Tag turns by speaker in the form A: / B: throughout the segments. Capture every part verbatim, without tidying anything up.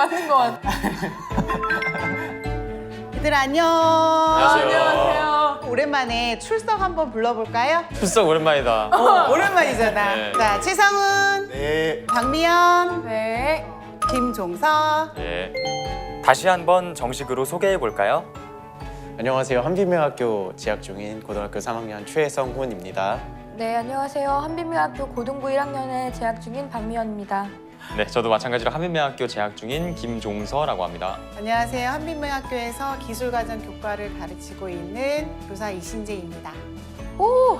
A: 하는 것 같아.
B: 얘들 안녕.
A: 안녕하세요.
B: 오랜만에 출석 한번 불러볼까요?
C: 출석 오랜만이다.
B: 어, 오랜만이잖아.
C: 네.
B: 자, 최성훈,
D: 네.
B: 박미연,
A: 네.
B: 김종서.
C: 예. 다시 한번 정식으로 소개해 볼까요?
D: 안녕하세요. 한빛명학교 재학 중인 고등학교 삼 학년 최성훈입니다.
A: 네, 안녕하세요. 한빛명학교 고등부 일 학년에 재학 중인 박미연입니다.
C: 네, 저도 마찬가지로 한빛명학교 재학 중인 김종서라고 합니다.
B: 안녕하세요. 한빛명학교에서 기술과정 교과를 가르치고 있는 교사 이신재입니다.
A: 오!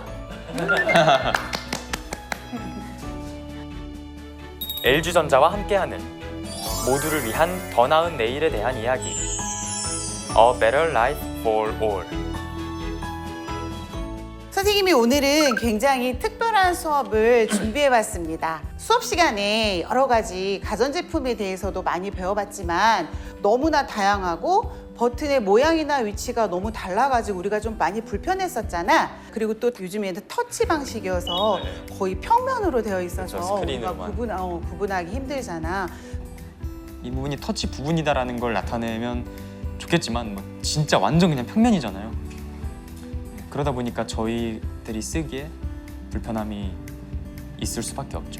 C: 엘지전자와 함께하는 모두를 위한 더 나은 내일에 대한 이야기. A Better Life for All.
B: 선생님이 오늘은 굉장히 특별한 수업을 준비해봤습니다. 수업 시간에 여러 가지 가전제품에 대해서도 많이 배워봤지만 너무나 다양하고 버튼의 모양이나 위치가 너무 달라가지고 우리가 좀 많이 불편했었잖아. 그리고 또 요즘에는 터치 방식이어서 거의 평면으로 되어 있어서
C: 그렇죠, 스크린으로만.
B: 우리가 구분, 어, 구분하기 힘들잖아.
C: 이 부분이 터치 부분이다라는 걸 나타내면 좋겠지만 뭐 진짜 완전 그냥 평면이잖아요. 그러다 보니까 저희들이 쓰기에 불편함이 있을 수밖에 없죠.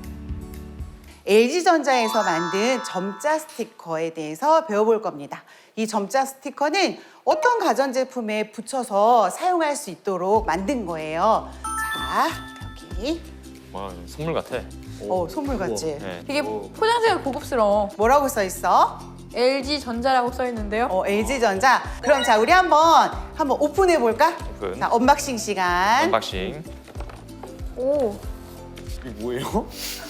B: 엘지전자에서 만든 점자 스티커에 대해서 배워볼 겁니다. 이 점자 스티커는 어떤 가전제품에 붙여서 사용할 수 있도록 만든 거예요. 자, 여기.
C: 와, 선물 같아.
B: 어, 선물 같지?
C: 네.
A: 되게 포장지가 고급스러워.
B: 뭐라고 써 있어?
A: 엘지전자라고 써 있는데요.
B: 어, 엘지전자. 그럼 자, 우리 한번 한번 오픈해 볼까?
C: 오픈.
B: 자, 언박싱 시간.
C: 언박싱.
A: 오.
D: 이게 뭐예요?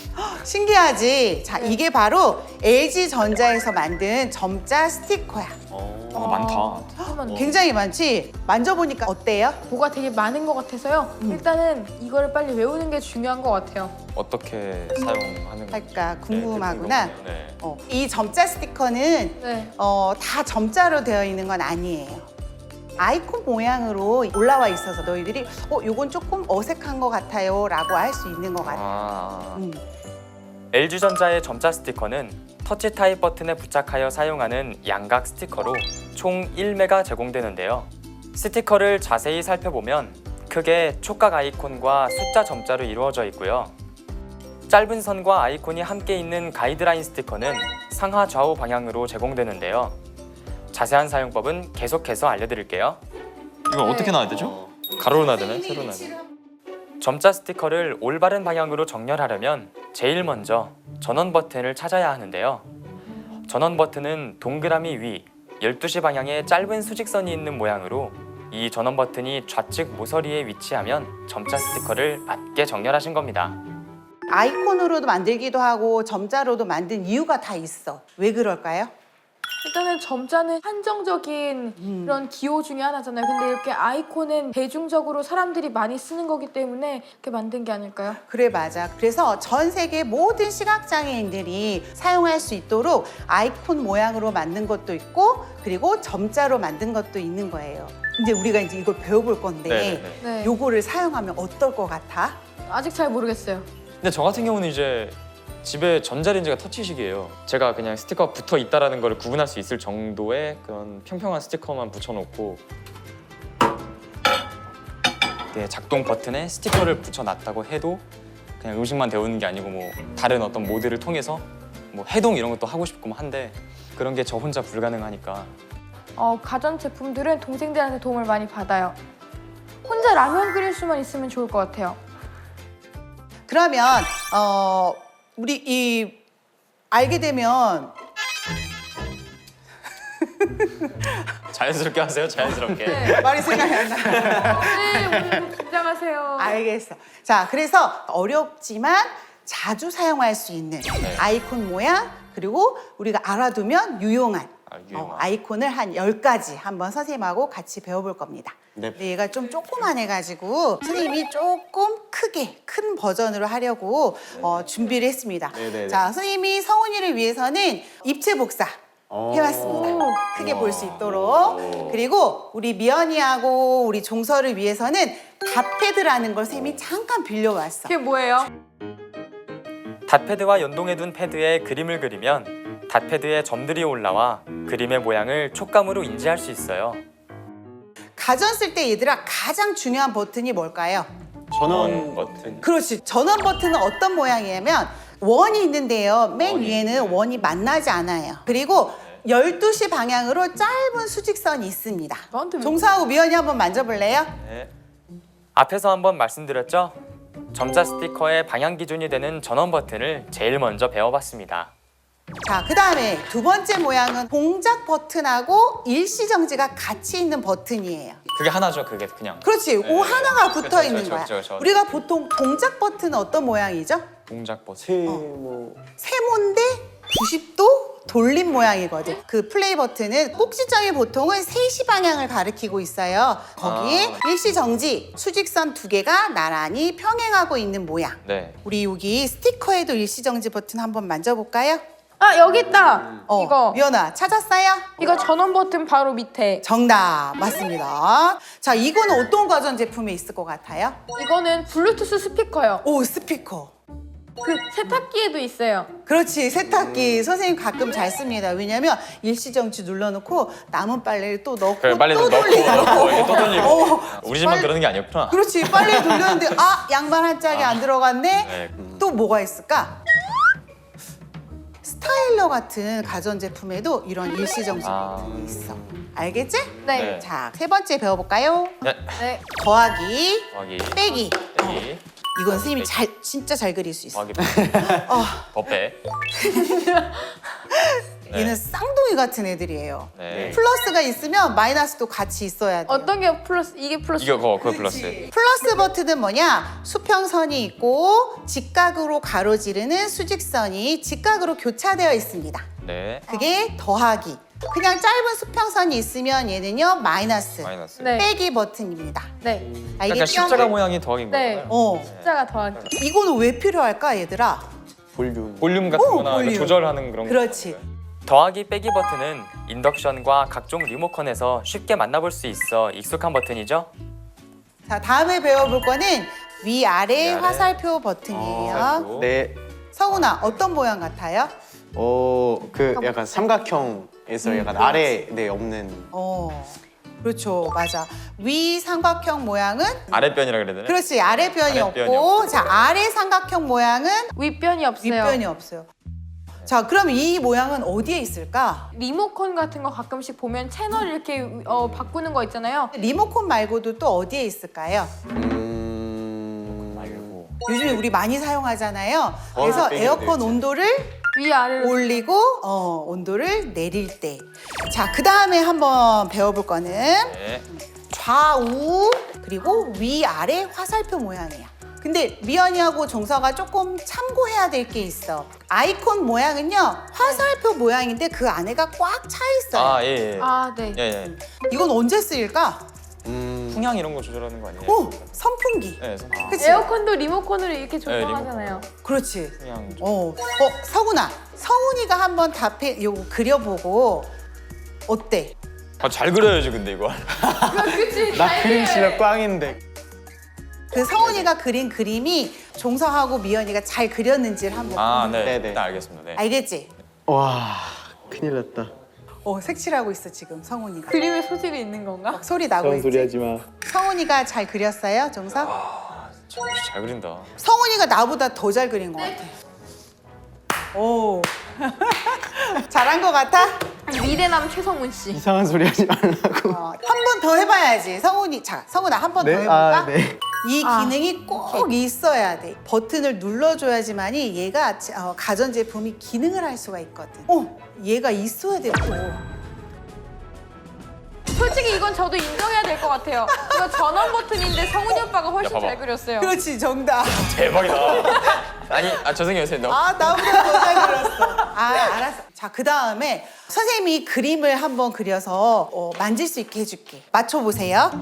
B: 신기하지? 자,
A: 네.
B: 이게 바로 엘지전자에서 만든 점자 스티커야.
C: 어,
A: 아,
C: 많다.
A: 잠깐만.
B: 굉장히 많지? 만져보니까 어때요?
A: 뭐가 되게 많은 것 같아서요.
B: 음.
A: 일단은 이거를 빨리 외우는 게 중요한 것 같아요.
C: 어떻게 사용하는 건지.
B: 할까 궁금하구나.
C: 네, 네.
B: 어, 이 점자 스티커는
A: 네.
B: 어, 다 점자로 되어 있는 건 아니에요. 아이콘 모양으로 올라와 있어서 너희들이 어, 요건 조금 어색한 것 같아요 라고 할 수 있는 것 같아.
C: 아.
B: 음.
C: 엘지전자의 점자 스티커는 터치 타입 버튼에 부착하여 사용하는 양각 스티커로 총 일 메가 제공되는데요. 스티커를 자세히 살펴보면 크게 촉각 아이콘과 숫자 점자로 이루어져 있고요. 짧은 선과 아이콘이 함께 있는 가이드라인 스티커는 상하 좌우 방향으로 제공되는데요. 자세한 사용법은 계속해서 알려드릴게요. 이거
A: 네.
C: 어떻게 놔야 되죠? 가로로 놔야 되나요? 세로 놔야 되나요? 점자 스티커를 올바른 방향으로 정렬하려면 제일 먼저 전원 버튼을 찾아야 하는데요. 전원 버튼은 동그라미 위 열두 시 방향에 짧은 수직선이 있는 모양으로 이 전원 버튼이 좌측 모서리에 위치하면 점자 스티커를 맞게 정렬하신 겁니다.
B: 아이콘으로도 만들기도 하고 점자로도 만든 이유가 다 있어. 왜 그럴까요?
A: 일단은 점자는 한정적인
B: 음.
A: 그런 기호 중에 하나잖아요. 근데 이렇게 아이콘은 대중적으로 사람들이 많이 쓰는 거기 때문에 이렇게 만든 게 아닐까요?
B: 그래 맞아. 그래서 전 세계 모든 시각장애인들이 사용할 수 있도록 아이콘 모양으로 만든 것도 있고 그리고 점자로 만든 것도 있는 거예요. 이제 우리가 이제 이걸 배워볼 건데
C: 네네네.
A: 네.
B: 요거를 사용하면 어떨 것 같아?
A: 아직 잘 모르겠어요.
C: 근데 저 같은 경우는 이제 집에 전자레인지가 터치식이에요. 제가 그냥 스티커가 붙어 있다라는 걸 구분할 수 있을 정도의 그런 평평한 스티커만 붙여놓고 네, 작동 버튼에 스티커를 붙여놨다고 해도 그냥 음식만 데우는 게 아니고 뭐 다른 어떤 모드를 통해서 뭐 해동 이런 것도 하고 싶고 뭐 한데 그런 게 저 혼자 불가능하니까
A: 어, 가전 제품들은 동생들한테 도움을 많이 받아요. 혼자 라면 끓일 수만 있으면 좋을 것 같아요.
B: 그러면 어 우리 이 알게 되면
C: 자연스럽게 하세요. 자연스럽게.
A: 네.
B: 말이 생각이 안 나.
A: 네, 오늘 긴장하세요.
B: 알겠어. 자, 그래서 어렵지만 자주 사용할 수 있는
C: 네.
B: 아이콘 모양 그리고 우리가 알아두면 유용한
C: 아, 유용한.
B: 어, 아이콘을 한 열 가지 한번 선생님하고 같이 배워볼 겁니다.
D: 네.
B: 근데 얘가 좀 조그만해가지고 선생님이 조금 크게 큰 버전으로 하려고 어, 준비를 했습니다.
D: 네네네.
B: 자, 선생님이 성훈이를 위해서는 입체 복사
D: 어.
B: 해왔습니다.
A: 오.
B: 크게 볼 수
D: 우와.
B: 있도록.
D: 오.
B: 그리고 우리 미연이하고 우리 종서를 위해서는 닷패드라는 걸 선생님이 잠깐 빌려왔어.
A: 그게 뭐예요?
C: 닷패드와 연동해둔 패드에 그림을 그리면 닷패드에 점들이 올라와 그림의 모양을 촉감으로 인지할 수 있어요.
B: 가전 쓸 때 얘들아 가장 중요한 버튼이 뭘까요?
D: 전원 버튼.
B: 그렇지. 전원 버튼은 어떤 모양이냐면 원이 있는데요. 맨
D: 원이.
B: 위에는 원이 만나지 않아요. 그리고 열두 시 방향으로 짧은 수직선이 있습니다.
A: 나한테 왜
B: 종서하고 미연이 한번 만져볼래요?
C: 네. 앞에서 한번 말씀드렸죠? 점자 스티커의 방향 기준이 되는 전원 버튼을 제일 먼저 배워봤습니다.
B: 자, 그 다음에 두 번째 모양은 동작 버튼하고 일시정지가 같이 있는 버튼이에요.
C: 그게 하나죠, 그게 그냥.
B: 그렇지.
C: 네.
B: 오 하나가 붙어
C: 그쵸,
B: 있는
C: 그쵸,
B: 거야.
C: 그쵸, 그쵸.
B: 우리가 보통 동작 버튼은 어떤 모양이죠?
C: 동작 버튼.
D: 세모.
B: 세모인데 구십 도 돌린 모양이거든. 그 플레이 버튼은 꼭지점이 보통은 세 시 방향을 가리키고 있어요. 거기에
C: 아.
B: 일시정지, 수직선 두 개가 나란히 평행하고 있는 모양.
C: 네.
B: 우리 여기 스티커에도 일시정지 버튼 한번 만져볼까요?
A: 아 여기 있다.
B: 어,
A: 이거
B: 미연아 찾았어요?
A: 이거 전원 버튼 바로 밑에.
B: 정답 맞습니다. 자, 이거는 어떤 가전제품에 있을 것 같아요?
A: 이거는 블루투스 스피커요.
B: 오, 스피커.
A: 그 세탁기에도 있어요.
B: 그렇지, 세탁기 선생님 가끔 잘 씁니다. 왜냐면 일시정지 눌러놓고 남은 빨래를 또 넣고
C: 그래, 빨리
B: 또
C: 넣고
B: 돌리고
C: 넣고 이렇게 또 돌리고.
B: 어,
C: 우리 집만
B: 빨리-
C: 그러는 게 아니었구나.
B: 그렇지, 빨래 돌렸는데 아 양말 한 짝이 안 들어갔네.
C: 네.
B: 또 뭐가 있을까? 스타일러 같은 가전제품에도 이런 일시정지
C: 아.
B: 버튼이 있어. 알겠지?
A: 네.
C: 네.
B: 자, 세 번째 배워볼까요?
C: 네.
A: 네.
B: 더하기,
C: 더하기.
B: 빼기.
C: 빼기.
B: 이건 선생님이 잘 진짜 잘 그릴 수 있어.
C: 더하기.
B: 어,
C: 더 빼. 네.
B: 얘는 쌍둥이 같은 애들이에요.
C: 네.
B: 플러스가 있으면 마이너스도 같이 있어야 돼.
A: 어떤 게 플러스? 이게 플러스.
C: 이거 그거 그거 플러스.
B: 플러스 버튼은 뭐냐? 수평선이 있고 직각으로 가로지르는 수직선이 직각으로 교차되어 있습니다.
C: 네.
B: 그게 더하기. 그냥 짧은 수평선이 있으면 얘는요 마이너스.
C: 마이너스.
A: 네.
B: 빼기 버튼입니다.
A: 네.
C: 약간
B: 알겠죠?
C: 십자가 모양이 더하기인
A: 네.
C: 거잖아요.
B: 어.
A: 숫자가 더하기.
B: 이거는 왜 필요할까 얘들아?
D: 볼륨.
C: 볼륨 같은
B: 오,
C: 거나
B: 볼륨.
C: 조절하는 그런 거.
B: 그렇지.
C: 더하기 빼기 버튼은 인덕션과 각종 리모컨에서 쉽게 만나볼 수 있어 익숙한 버튼이죠.
B: 자, 다음에 배워볼 거는 위아래
C: 위아래.
B: 화살표 버튼이에요.
C: 화살표.
D: 네.
B: 성훈아, 어떤 모양 같아요?
D: 어, 그 약간 삼각형에서 약간 아래 네 없는.
B: 어, 그렇죠, 맞아. 위 삼각형 모양은
C: 아랫변이라 그래야 되나?
B: 그렇지, 아래변이
C: 아랫변이
B: 없고, 자, 아래 삼각형 모양은
A: 윗변이 없어요.
B: 윗변이 없어요. 자, 그럼 이 모양은 어디에 있을까?
A: 리모컨 같은 거 가끔씩 보면 채널 이렇게 어, 바꾸는 거 있잖아요.
B: 리모컨 말고도 또 어디에 있을까요?
D: 음.
C: 말고.
B: 요즘에 우리 많이 사용하잖아요.
D: 어,
B: 그래서
D: 빼기도
B: 에어컨
D: 되지.
B: 온도를
A: 위아래로.
B: 올리고 어, 온도를 내릴 때. 자, 그 다음에 한번 배워볼 거는
C: 네.
B: 좌우 그리고 위아래 화살표 모양이야. 근데 미연이하고 종서가 조금 참고해야 될 게 있어. 아이콘 모양은요 화살표 모양인데 그 안에가 꽉 차 있어요.
C: 아, 예, 예.
A: 아, 네.
C: 예, 예.
B: 이건 언제 쓰일까?
D: 음.
C: 풍향 이런 거 조절하는 거 아니에요?
B: 오, 선풍기.
C: 네, 선풍.
B: 그치?
A: 에어컨도 리모컨으로 이렇게 조정하잖아요.
B: 그렇지.
C: 풍향. 조절.
B: 어, 어, 성훈아, 성훈이가 한번 답해 요거 그려보고 어때?
C: 아, 잘 그려야지 근데 이거.
A: 그치.
D: 나 그림 실력 꽝인데.
B: 그 성훈이가 그린 그림이 종서하고 미연이가 잘 그렸는지를 한번
C: 아,
B: 보는
C: 네.
D: 네, 네.
C: 일단 알겠습니다. 네.
B: 알겠지?
D: 와, 큰일 났다.
B: 어, 색칠하고 있어 지금 성훈이가.
A: 그림에 소질이 있는 건가?
B: 소리 나고
D: 그런
B: 있지?
D: 소리 하지 마.
B: 성훈이가 잘 그렸어요, 종서?
C: 참, 잘 그린다.
B: 성훈이가 나보다 더 잘 그린 것 같아. 오, 잘한 것 같아?
A: 미래남 최성훈 씨.
D: 이상한 소리 하지 말라고.
B: 어, 한 번 더 해봐야지. 성훈이, 자, 성훈아 한 번 더
D: 네?
B: 해볼까?
D: 아, 네.
B: 이
A: 아,
B: 기능이 꼭 있어야 돼. 버튼을 눌러줘야지만이 얘가 어, 가전제품이 기능을 할 수가 있거든. 어, 얘가 있어야 돼. 또.
A: 솔직히 이건 저도 인정해야 될 것 같아요. 이거 전원 버튼인데 성훈이 오빠가 훨씬
C: 야, 봐봐.
A: 잘 그렸어요.
B: 그렇지, 정답.
C: 대박이다. 아니, 아 죄송해요, 선생님. 너무-
B: 아, 나보다 더 잘 그렸어. 아, 알았어. 자, 그 다음에 선생님이 그림을 한번 그려서 어, 만질 수 있게 해줄게. 맞춰보세요.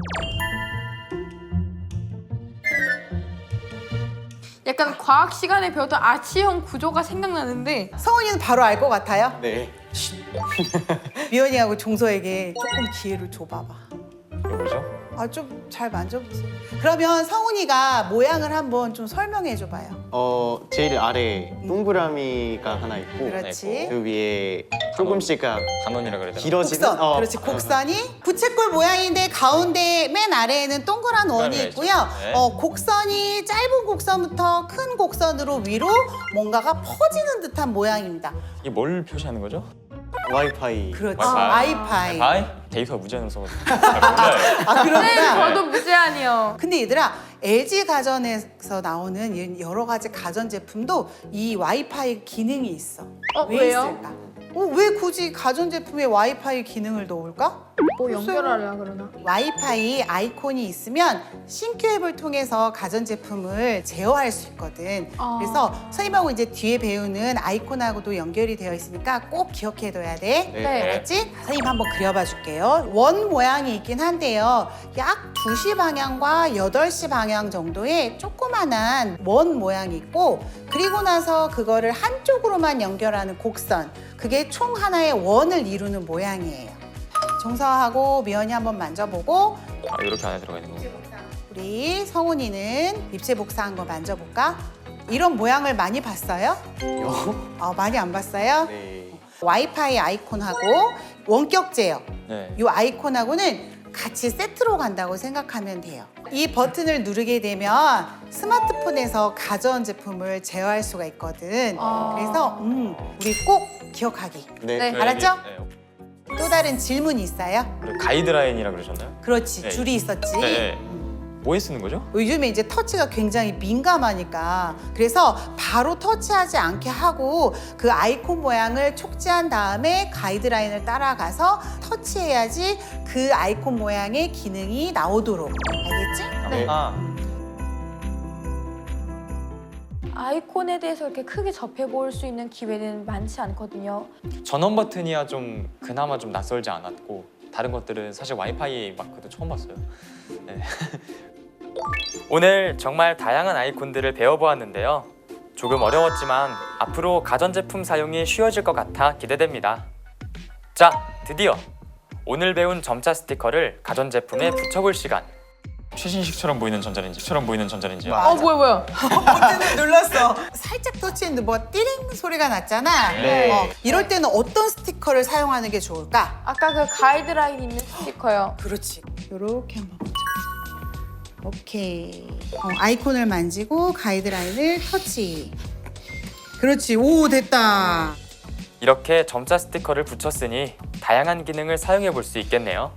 A: 약간 과학 시간에 배웠던 아치형 구조가 생각나는데
B: 성훈이는 바로 알 것 같아요?
D: 네.
B: 미연이하고 종서에게 조금 기회를 줘봐봐.
C: 이거 뭐죠?
B: 아, 좀 잘 만져보세요. 그러면 성훈이가 모양을 한번 좀 설명해 줘봐요.
D: 어 제일 아래 동그라미가 하나 있고
B: 그렇지.
D: 그 위에 조금씩
C: 단원이라 그래야 되나?
D: 길어지는
B: 곡선.
D: 어,
B: 그렇지. 곡선이 부채꼴 모양인데 가운데 맨 아래에는 동그란 원이
C: 동그라미가
B: 있고요.
C: 있죠. 네.
B: 어, 곡선이 짧은 곡선부터 큰 곡선으로 위로 뭔가가 퍼지는 듯한 모양입니다.
C: 이게 뭘 표시하는 거죠?
D: 와이파이.
B: 그렇지.
C: 와이파이.
B: 와이파이.
C: 바이? 데이터 무제한으로 써가지고 잘 몰라요.
B: 아,
A: 네,
B: 그렇구나.
A: 저도 무제한이요.
B: 근데 얘들아, 엘지 가전에서 나오는 여러 가지 가전 제품도 이 와이파이 기능이 있어.
A: 어,
B: 왜
A: 왜요?
B: 있을까? 어, 왜 굳이 가전 제품에 와이파이 기능을 넣을까?
A: 뭐 연결하려 그러나?
B: 와이파이 아이콘이 있으면 신규 앱을 통해서 가전제품을 제어할 수 있거든.
A: 아.
B: 그래서 선생님하고 이제 뒤에 배우는 아이콘하고도 연결이 되어 있으니까 꼭 기억해둬야 돼.
A: 네.
B: 알았지? 선생님 한번 그려봐 줄게요. 원 모양이 있긴 한데요. 약 두 시 방향과 여덟 시 방향 정도의 조그만한 원 모양이 있고, 그리고 나서 그거를 한쪽으로만 연결하는 곡선. 그게 총 하나의 원을 이루는 모양이에요. 정서하고 미연이 한번 만져보고,
C: 아, 이렇게 안에 들어가 있는 거.
B: 우리 성훈이는 입체 복사한 거 만져볼까? 이런 모양을 많이 봤어요? 어, 많이 안 봤어요?
D: 네.
B: 와이파이 아이콘하고 원격 제어,
C: 네.
B: 이 아이콘하고는 같이 세트로 간다고 생각하면 돼요. 이 버튼을 누르게 되면 스마트폰에서 가전 제품을 제어할 수가 있거든.
A: 아.
B: 그래서 음, 우리 꼭 기억하기.
D: 네.
A: 네.
B: 알았죠?
C: 네.
B: 또 다른 질문이 있어요?
C: 그리고 가이드라인이라 그러셨나요?
B: 그렇지,
C: 네.
B: 줄이 있었지.
C: 네. 네. 뭐에 쓰는 거죠?
B: 요즘에 이제 터치가 굉장히 민감하니까, 그래서 바로 터치하지 않게 하고 그 아이콘 모양을 촉지한 다음에 가이드라인을 따라가서 터치해야지 그 아이콘 모양의 기능이 나오도록. 알겠지?
D: 네.
C: 아,
A: 아이콘에 대해서 이렇게 크게 접해볼 수 있는 기회는 많지 않거든요.
C: 전원 버튼이야 좀 그나마 좀 낯설지 않았고 다른 것들은 사실 와이파이 마크도 처음 봤어요. 네. 오늘 정말 다양한 아이콘들을 배워보았는데요. 조금 어려웠지만 앞으로 가전제품 사용이 쉬워질 것 같아 기대됩니다. 자, 드디어 오늘 배운 점자 스티커를 가전제품에 붙여볼 시간. 최신식처럼 보이는 전자레인지처럼 보이는 전자레인지요.
B: 와.
A: 어, 뭐야, 뭐야.
B: 버튼을 눌렀어. 살짝 터치했는데 뭐 띠링 소리가 났잖아.
D: 네.
B: 어, 이럴 때는 어떤 스티커를 사용하는 게 좋을까?
A: 아까 그 가이드라인 있는 스티커요.
B: 그렇지. 이렇게 한번 붙여보자. 오케이. 어, 아이콘을 만지고 가이드라인을 터치. 그렇지. 오, 됐다.
C: 이렇게 점자 스티커를 붙였으니 다양한 기능을 사용해 볼 수 있겠네요.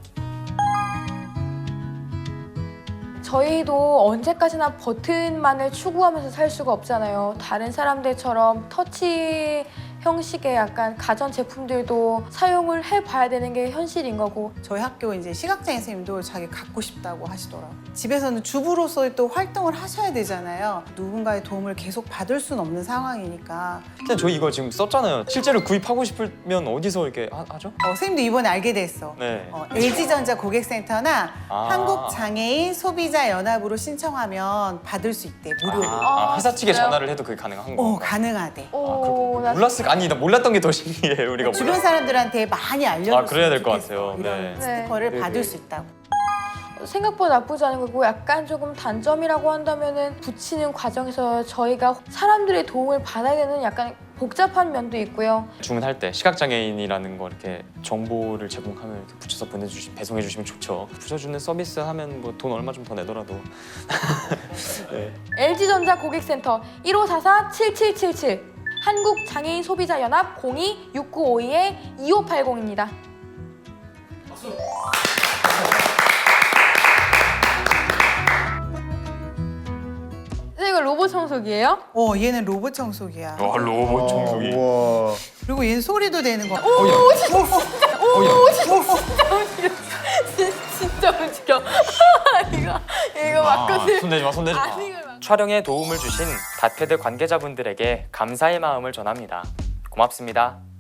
A: 저희도 언제까지나 버튼만을 추구하면서 살 수가 없잖아요. 다른 사람들처럼 터치 형식의 약간 가전 제품들도 사용을 해봐야 되는 게 현실인 거고.
B: 저희 학교 이제 시각장애 선생님도 자기 갖고 싶다고 하시더라고요. 집에서는 주부로서 또 활동을 하셔야 되잖아요. 누군가의 도움을 계속 받을 수는 없는 상황이니까.
C: 근데 저 이거 지금 썼잖아요. 실제로 구입하고 싶으면 어디서 이렇게 하, 하죠?
B: 어, 선생님도 이번에 알게 됐어.
C: 네.
B: 어, 엘지전자 고객센터나
C: 아.
B: 한국장애인 소비자연합으로 신청하면 받을 수 있대. 무료로.
C: 아, 아, 회사 측에
A: 진짜요?
C: 전화를 해도 그게 가능한
B: 어,
C: 거.
B: 가능하대.
A: 오, 나
C: 몰랐을 아니 나 몰랐던 게 더 신기해. 우리가
B: 주변
C: 몰랐.
B: 사람들한테 많이 알려줬으면
C: 아, 그래야 될것
B: 좋겠어.
C: 같아요.
B: 이런
C: 네.
B: 스티커를
D: 네.
B: 받을
D: 네.
B: 수 있다고.
A: 생각보다 나쁘지 않은 거고, 약간 조금 단점이라고 한다면은 붙이는 과정에서 저희가 사람들의 도움을 받아야 되는 약간 복잡한 면도 있고요.
C: 주문할 때 시각장애인이라는 거 이렇게 정보를 제공하면 이렇게 붙여서 보내주시 배송해 주시면 좋죠. 붙여주는 서비스 하면 뭐 돈 얼마 좀 더 내더라도. 네.
A: 엘지전자 고객센터 일오사사 칠칠칠칠, 한국장애인 소비자연합 공이 육구오이 이오팔공입니다. 선생님, 이거 로봇 청소기예요?
B: 어, 얘는 로봇 청소기야.
C: 와 로봇 청소기.
D: 우와.
B: 그리고 얘는 소리도 내는 거.
C: 오,
A: 진짜 움직여. 이거 이거
C: 아,
A: 맞거든.
C: 손대지 마, 손대지 마.
A: 아니, 이걸 막-
C: 촬영에 도움을 주신 닷패드 관계자분들에게 감사의 마음을 전합니다. 고맙습니다.